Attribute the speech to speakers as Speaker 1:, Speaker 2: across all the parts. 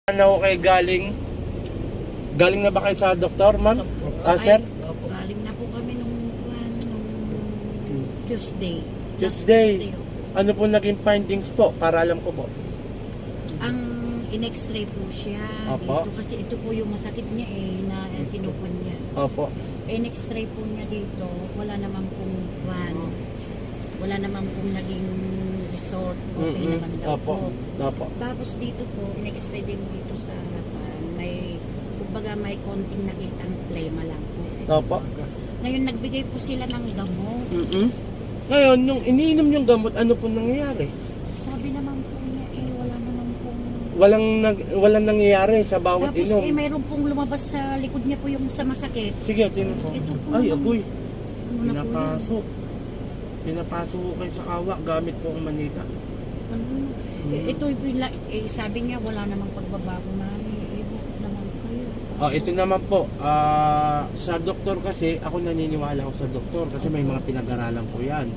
Speaker 1: Ano kay galing na ba kayo sa doktor, ma'am? Sir?
Speaker 2: Galing na po kami nung Tuesday.
Speaker 1: Tuesday. Ano po naging findings po? Para alam ko po.
Speaker 2: Ang in-x-ray po siya
Speaker 1: Opo.
Speaker 2: dito kasi ito po yung masakit niya na pinupon niya.
Speaker 1: Opo.
Speaker 2: In-x-ray po niya dito, wala naman pong wala naman pong naging resort. Okay naman daw
Speaker 1: Opo.
Speaker 2: po.
Speaker 1: Opo.
Speaker 2: Tapos dito po, in-x-ray din dito sa harapan. May konting nakitang plema lang po.
Speaker 1: Opo.
Speaker 2: Ngayon nagbigay po sila ng gamot.
Speaker 1: Ngayon, yung iniinom yung gamot, ano po nangyayari?
Speaker 2: Sabi naman po niya, wala naman pong...
Speaker 1: Walang nangyayari sa bawat
Speaker 2: Tapos
Speaker 1: inom.
Speaker 2: mayroon pong lumabas sa likod niya po yung sa masakit.
Speaker 1: Sige, tingnan po.
Speaker 2: Ito po
Speaker 1: Ay,
Speaker 2: naman.
Speaker 1: agoy.
Speaker 2: Ano na po
Speaker 1: Pinapasok. Pinapasok ko kayo sa kawa gamit po ang manita.
Speaker 2: yan? Ito sabi niya, wala namang pagbabago mami. Bakit naman kayo?
Speaker 1: Ito naman po, sa doktor kasi, ako naniniwala ako sa doktor kasi may mga pinag-aralan po yan.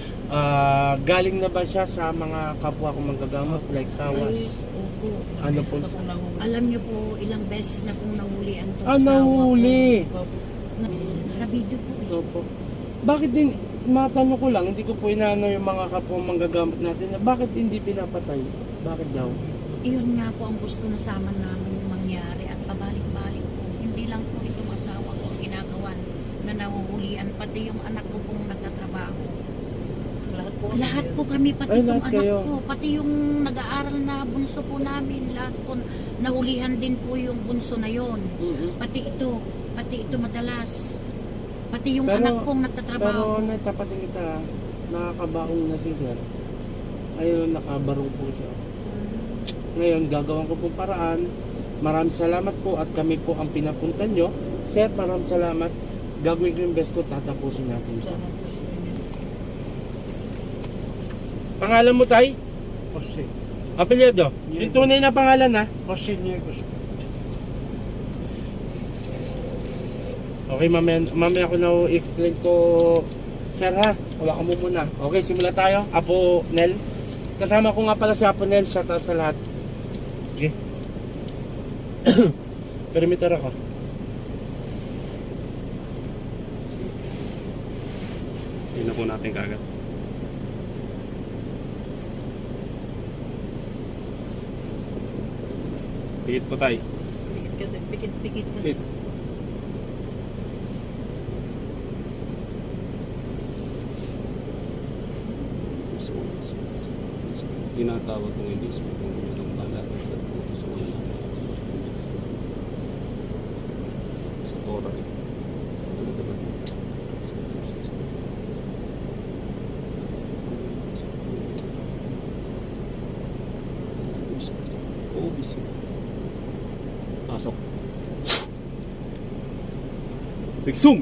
Speaker 1: Galing na ba siya sa mga kapwa kong manggagamot like tawas?
Speaker 2: Opo.
Speaker 1: Ano po?
Speaker 2: Alam niyo po, ilang beses na pong nahulian to.
Speaker 1: Nahuli.
Speaker 2: Naka-video po.
Speaker 1: Opo. Bakit din, matanong ko lang, hindi ko po inaano yung mga kapwa manggagamot natin na bakit hindi pinapatay? Bakit daw?
Speaker 2: Iyon nga po ang gusto na sama namin mangyari at pabalik-balik po. Hindi lang po itong asawa ko ang ginagawan na nahuhulian, pati yung anak ko pong nagtatrabaho. Lahat po kami, pati
Speaker 1: Ay,
Speaker 2: yung
Speaker 1: lahat
Speaker 2: anak
Speaker 1: kayo.
Speaker 2: ko, pati yung nag-aaral na bunso po namin, lahat po, nahulihan din po yung bunso na yon. Pati ito madalas. Pati yung anak kong nagtatrabaho.
Speaker 1: Pero natapatin kita, nakakabaong na si sir. Ayun, nakabarong po siya. Ngayon, gagawin ko pong paraan. Maraming salamat po at kami po ang pinapuntan nyo. Sir, maraming salamat. Gagawin ko yung best ko, tatapusin natin siya. Pangalan mo, Tay?
Speaker 3: Jose.
Speaker 1: Apelyido? Yung tunay na pangalan, ha?
Speaker 3: Jose Niegos.
Speaker 1: Okay, mamaya ako na explain to sir, ha? Hawakan mo muna. Okay, simula tayo. Apo Nel. Kasama ko nga pala si Apo Nel. Shout out sa lahat. Okay. Perimeter ako.
Speaker 4: Yun na po natin kagad. Pikit po tayo.
Speaker 2: Pikit.
Speaker 4: Pikit. Tinatawag kong hindi sa pagkakang bala sa mga sa Torah. Pasok. Big zoom.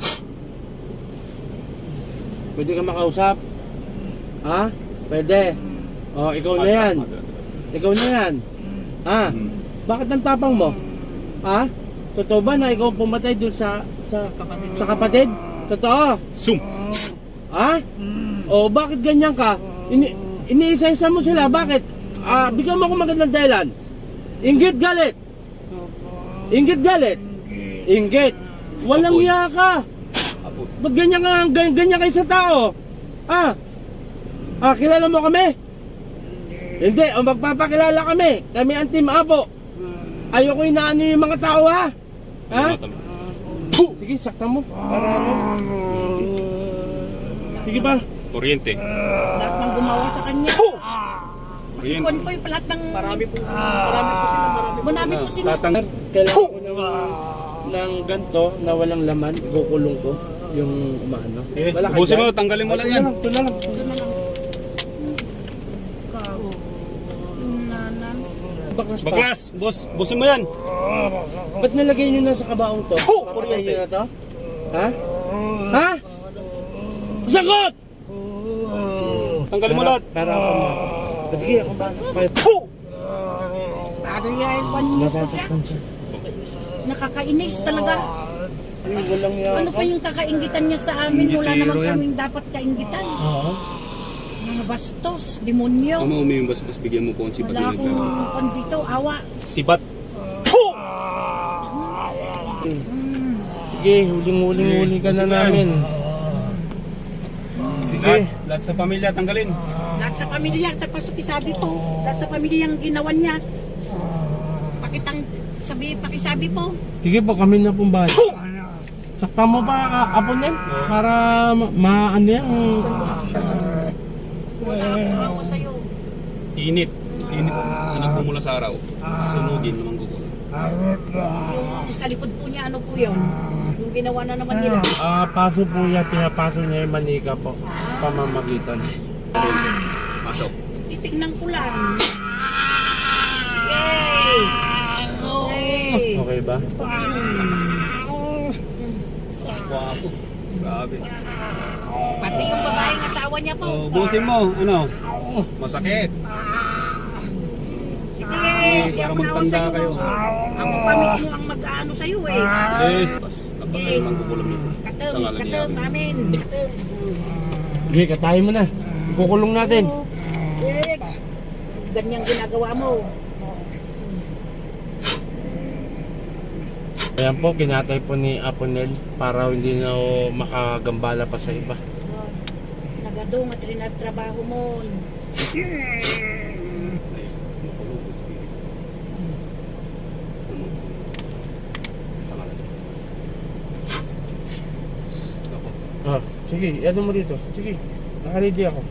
Speaker 1: Pwede ka makausap? Ha? Pwede. Ikaw na yan. Ikaw na yan. Ha? Bakit ang tapang mo? Ha? Totoo ba na ikaw pumatay dun sa kapatid? Totoo?
Speaker 4: Zoom.
Speaker 1: Ha? Bakit ganyan ka? Iniisa-isa mo sila. Bakit? Bigyan mo ako magandang dahilan. Inggit galit. Inggit galit. Inggit. Walang
Speaker 4: Apoy.
Speaker 1: iya ka.
Speaker 4: Apo.
Speaker 1: Ba't ganyan kayo sa tao? Kilala mo kami? Hindi, magpapakilala kami. Kami ang Team Apo. Ayoko inaano yung mga tao, ha? Ha? Sige, sakta mo. Para ano? Sige ba?
Speaker 4: Kuryente.
Speaker 2: Lahat ng gumawa sa kanya.
Speaker 4: Kuryente.
Speaker 2: Ikon po yung lahat ng...
Speaker 3: Marami po sila.
Speaker 2: Marami po sila.
Speaker 4: Tatang.
Speaker 1: Kailangan ko ng ganto na walang laman. Kukulong ko yung umaano. Wala ka
Speaker 4: Ubusin
Speaker 1: dyan?
Speaker 4: mo, tanggalin mo lang yan.
Speaker 1: Ito na lang.
Speaker 2: Doon na lang.
Speaker 1: Baklas pa.
Speaker 4: Baklas. Busin mo yan.
Speaker 1: Ba't nalagay nyo na sa kabaong to? Papatay nyo na to? Ha? Ha? Sagot!
Speaker 4: Tanggalin mo lahat.
Speaker 1: Para ako ma... Sige, ako ba?
Speaker 2: Paano yan?
Speaker 1: Nasasaktan siya.
Speaker 2: Nakakainis talaga.
Speaker 1: Walang yan.
Speaker 2: Ano pa yung kakaingitan niya sa amin? Wala naman kaming dapat kaingitan.
Speaker 1: Oo.
Speaker 2: bastos, demonyo.
Speaker 4: Ama, yung bastos, bigyan mo po ang sibat
Speaker 2: Wala
Speaker 4: na
Speaker 2: akong kon dito, awa.
Speaker 4: Sibat!
Speaker 1: Sige, huling-huli ka na namin. Sige.
Speaker 4: Lahat sa pamilya, tanggalin.
Speaker 2: Lahat sa pamilya, tapos sabi po, lahat sa pamilya ang ginawan niya. Pakisabi po.
Speaker 1: Sige po, kami na pong bahay. Sakta mo pa, Aponel? Para ano yan?
Speaker 2: Wala akong awa sa'yo.
Speaker 4: Init. Init. Anak mo mula sa araw. Sunugin naman gugulo.
Speaker 2: Yung sa likod po niya, ano po yun? Yung ginawa na naman nila.
Speaker 1: Paso po niya, pinapaso niya yung manika po. Pamamagitan.
Speaker 4: Pasok.
Speaker 2: Titignan ko lang. Yay! Yay!
Speaker 1: Okay ba?
Speaker 4: Wapo. Grabe.
Speaker 2: Pati yung babaeng asawa niya po.
Speaker 4: Oh, busin mo. Ano? Masakit.
Speaker 2: Sige,
Speaker 4: para
Speaker 2: di ako naawa
Speaker 4: magtanda
Speaker 2: sa'yo.
Speaker 4: kayo.
Speaker 2: Ako pa mismo ang mag-ano sa'yo eh.
Speaker 4: Yes. Kapag kayo magkukulam nito. Sa
Speaker 2: Katem,
Speaker 4: ngalan ni
Speaker 2: katem
Speaker 4: Yahweh.
Speaker 2: namin. Katem.
Speaker 1: Sige, katayin mo na. Kukulong natin.
Speaker 2: Eh, ganyang ginagawa mo.
Speaker 1: Ayan po, kinatay po ni Aponel para hindi na makagambala pa sa iba.
Speaker 2: Nagadong at rin ang trabaho mo.
Speaker 1: Sige, ano mo dito? Sige, nakaready ako.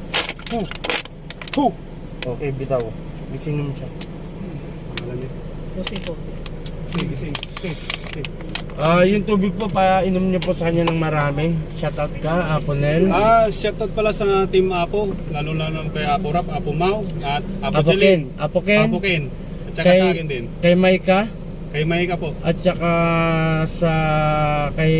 Speaker 1: Okay, bitaw. Gisingin mo siya.
Speaker 4: Pangalan niya.
Speaker 2: Kasi po.
Speaker 4: Gising.
Speaker 1: Yung tubig po, painom niyo po sa kanya ng marami. Shoutout ka, Aponel.
Speaker 4: Shoutout pala sa Team Apo. Lalo kay Apo Rap, Apo Mau, at Apo Jelly.
Speaker 1: Apo Ken.
Speaker 4: Apo Ken. At saka sa akin din.
Speaker 1: Kay Maika.
Speaker 4: Kay Maika po.
Speaker 1: At saka kay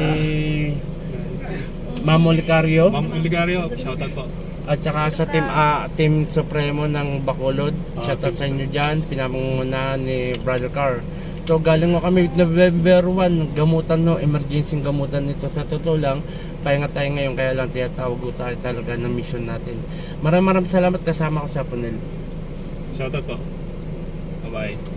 Speaker 1: Mamo Licario.
Speaker 4: Ma'am Oligario, shoutout po.
Speaker 1: At saka sa Team Supremo ng Bacolod. Shoutout sa inyo dyan. Pinamunguna ni Brother Carr. So galing mo kami November 1, gamutan no, emergency gamutan nito sa totoo lang. Pahinga tayo ngayon kaya lang tinatawag ko tayo talaga ng mission natin. Maraming salamat kasama ko sa Aponel.
Speaker 4: Shoutout po. Bye-bye.